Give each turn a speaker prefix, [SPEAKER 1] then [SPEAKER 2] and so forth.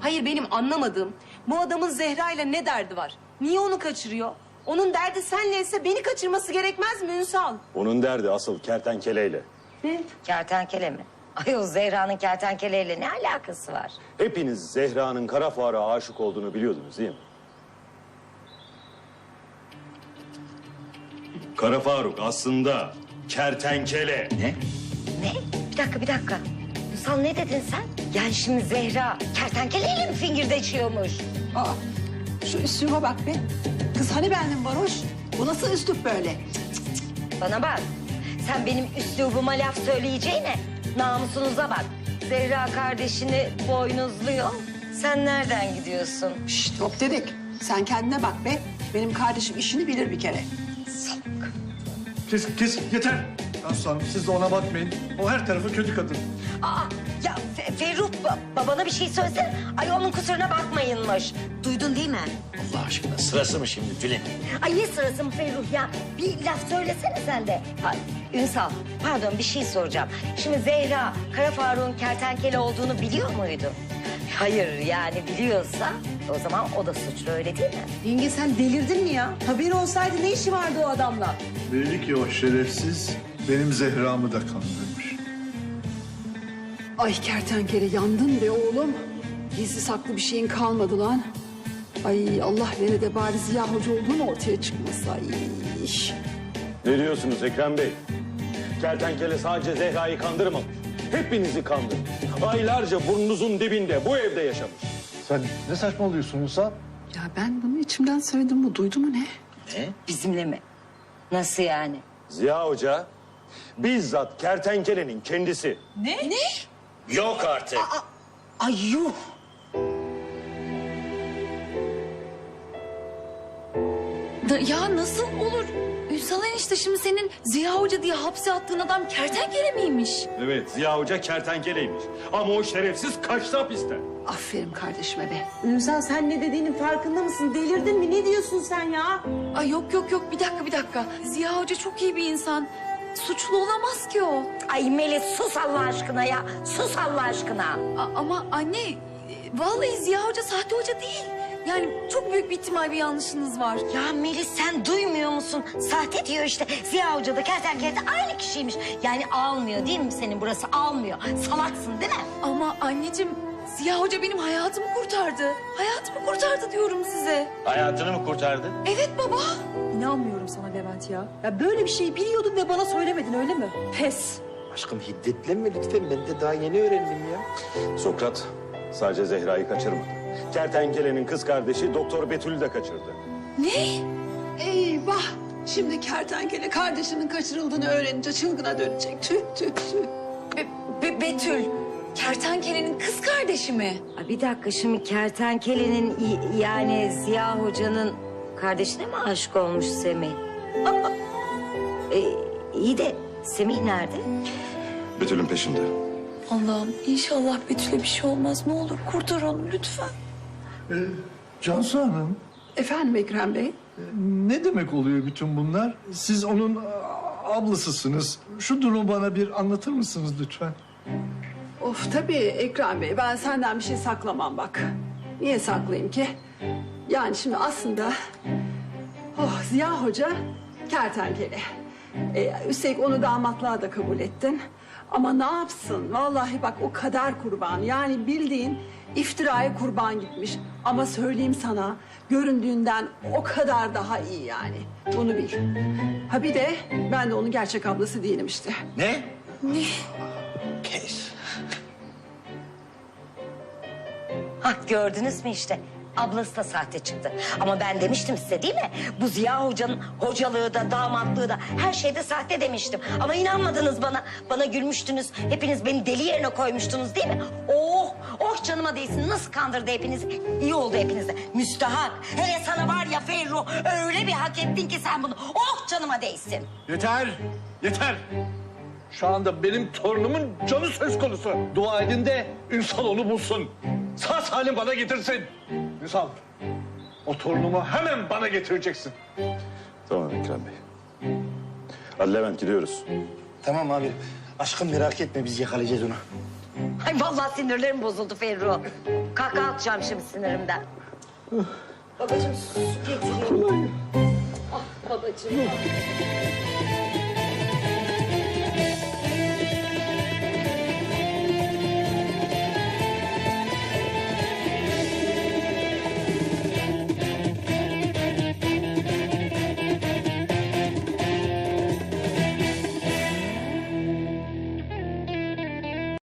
[SPEAKER 1] Hayır, benim anlamadığım bu adamın Zehra ile ne derdi var? Niye onu kaçırıyor? Onun derdi senleyse beni kaçırması gerekmez mi Ünsal?
[SPEAKER 2] Onun derdi asıl kertenkeleyle.
[SPEAKER 1] Ne?
[SPEAKER 3] Kertenkele mi? Ay o Zehra'nın kertenkeleyle ne alakası var?
[SPEAKER 2] Hepiniz Zehra'nın kara Faruk'a aşık olduğunu biliyordunuz değil mi? Kara Faruk aslında kertenkele.
[SPEAKER 4] Ne?
[SPEAKER 3] Ne? Bir dakika. Ünsal ne dedin sen? Yani şimdi Zehra kertenkeleyle mi fingirdeşiyormuş?
[SPEAKER 5] Aa, şu üsluba bak be. Kız hani bendim varoş? Bu nasıl üslup böyle?
[SPEAKER 3] Bana bak. Sen benim üslubuma laf söyleyeceğine namusunuza bak. Zehra kardeşini boynuzluyor. Sen nereden gidiyorsun?
[SPEAKER 5] Şşt hop dedik. Sen kendine bak be. Benim kardeşim işini bilir bir kere.
[SPEAKER 6] Kes yeter. Aslanım siz de ona bakmayın. O her tarafı kötü kadın.
[SPEAKER 3] Aa, ya Ferruh babana bir şey söylesene. Ay onun kusuruna bakmayınmış. Duydun değil mi?
[SPEAKER 4] Allah aşkına sırası mı şimdi Tülin?
[SPEAKER 3] Ay ne sırası mı Ferruh ya? Bir laf söylesene sen de. Ay, Ünsal, pardon bir şey soracağım. Şimdi Zehra, Kara Faruk'un kertenkele olduğunu biliyor muydu? Hayır yani biliyorsa o zaman o da suçlu öyle değil mi?
[SPEAKER 1] Yenge sen delirdin mi ya? Haberi olsaydı ne işi vardı o adamla?
[SPEAKER 6] Belli ki o şerefsiz benim Zehra'mı da kandırmış.
[SPEAKER 5] Ay kertenkele yandın be oğlum. Gizli saklı bir şeyin kalmadı lan. Ay Allah vere de bari Ziya Hoca olduğun ortaya çıkmasa. Ay.
[SPEAKER 2] Ne diyorsunuz Ekrem Bey? Kertenkele sadece Zehra'yı kandırmamış. Hepinizi kandırmış. Aylarca burnunuzun dibinde bu evde yaşamış.
[SPEAKER 6] Sen ne saçmalıyorsun Ünsal?
[SPEAKER 5] Ya ben bunu içimden söyledim, bu duydu mu ne?
[SPEAKER 4] Ne?
[SPEAKER 3] Bizimle mi? Nasıl yani?
[SPEAKER 2] Ziya Hoca bizzat kertenkelenin kendisi.
[SPEAKER 4] Yok artık.
[SPEAKER 3] Ay yuh!
[SPEAKER 7] Ya nasıl olur? Ünsal enişte şimdi senin Ziya Hoca diye hapse attığın adam kertenkele miymiş?
[SPEAKER 2] Evet Ziya Hoca kertenkeleymiş. Ama o şerefsiz kaçtı hapisten.
[SPEAKER 5] Aferin kardeşime be.
[SPEAKER 1] Ünsal sen ne dediğinin farkında mısın? Delirdin mi? Ne diyorsun sen ya?
[SPEAKER 7] Ay yok bir dakika. Ziya Hoca çok iyi bir insan. Suçlu olamaz ki o.
[SPEAKER 3] Ay Melis sus Allah aşkına ya. Sus Allah aşkına.
[SPEAKER 7] Ama anne vallahi Ziya Hoca sahte hoca değil. Yani çok büyük bir ihtimal bir yanlışınız var.
[SPEAKER 3] Ya Melis sen duymuyor musun? Sahte diyor işte. Ziya Hoca da kertenkele de aynı kişiymiş. Yani almıyor değil mi senin burası? Almıyor. Salaksın değil mi?
[SPEAKER 7] Ama anneciğim Ziya Hoca benim hayatımı kurtardı. Hayatımı kurtardı diyorum size.
[SPEAKER 4] Hayatını mı kurtardı?
[SPEAKER 7] Evet baba.
[SPEAKER 1] İnanmıyorum sana Levent ya. Ya böyle bir şey biliyordun ve bana söylemedin öyle mi? Pes.
[SPEAKER 8] Aşkım hiddetlenme lütfen. Ben de daha yeni öğrendim ya.
[SPEAKER 2] Sokrat sadece Zehra'yı kaçırmadı. Kertenkelenin kız kardeşi Doktor Betül'ü de kaçırdı.
[SPEAKER 7] Ne?
[SPEAKER 5] Eyvah! Şimdi kertenkele kardeşinin kaçırıldığını öğrenince çılgına dönecek. Tüh tüh tüh.
[SPEAKER 7] Betül. Kertenkelenin kız kardeşi mi?
[SPEAKER 3] Ay bir dakika şimdi kertenkelenin yani Ziya Hoca'nın kardeşine mi aşık olmuş Semih? İyi de Semih nerede?
[SPEAKER 2] Betül'ün peşinde.
[SPEAKER 7] Allah'ım inşallah Betül'e bir şey olmaz. Ne olur kurtar onu lütfen.
[SPEAKER 6] Cansu Hanım,
[SPEAKER 5] Efendim Ekrem Bey?
[SPEAKER 6] ne demek oluyor bütün bunlar? Siz onun ablasısınız. Şu durumu bana bir anlatır mısınız lütfen?
[SPEAKER 5] Of tabii Ekrem Bey, ben senden bir şey saklamam bak. Niye saklayayım ki? Yani şimdi aslında... Ziya Hoca kertenkele. Üstelik onu damatlığa da kabul ettin. Ama ne yapsın? Vallahi bak o kader kurban. Yani bildiğin iftiraya kurban gitmiş. Ama söyleyeyim sana, göründüğünden o kadar daha iyi yani. Bunu bil. Ha bir de ben de onun gerçek ablası değilim işte.
[SPEAKER 4] Ne? Kes.
[SPEAKER 3] Hah gördünüz mü işte. Ablası da sahte çıktı. Ama ben demiştim size değil mi? Bu Ziya Hoca'nın hocalığı da damatlığı da her şeyde sahte demiştim. Ama inanmadınız bana. Bana gülmüştünüz. Hepiniz beni deli yerine koymuştunuz değil mi? Oh canıma değsin. Nasıl kandırdı hepinizi? İyi oldu hepinize. Müstahak. Hele sana var ya Ferruh öyle bir hak ettin ki sen bunu. Oh canıma değsin.
[SPEAKER 6] Yeter. Şu anda benim torunumun canı söz konusu. Dua edin de Ünsal onu bulsun. Sağ salim bana getirsin. Ünsal, o torunumu hemen bana getireceksin.
[SPEAKER 2] Tamam Ekrem Bey. Hadi Levent gidiyoruz.
[SPEAKER 8] Tamam abi. Aşkım merak etme biz yakalayacağız onu.
[SPEAKER 3] Ay vallahi sinirlerim bozuldu Ferruh. Kahkaha atacağım şimdi sinirimden. Babacığım su getireyim.
[SPEAKER 5] Ah babacığım.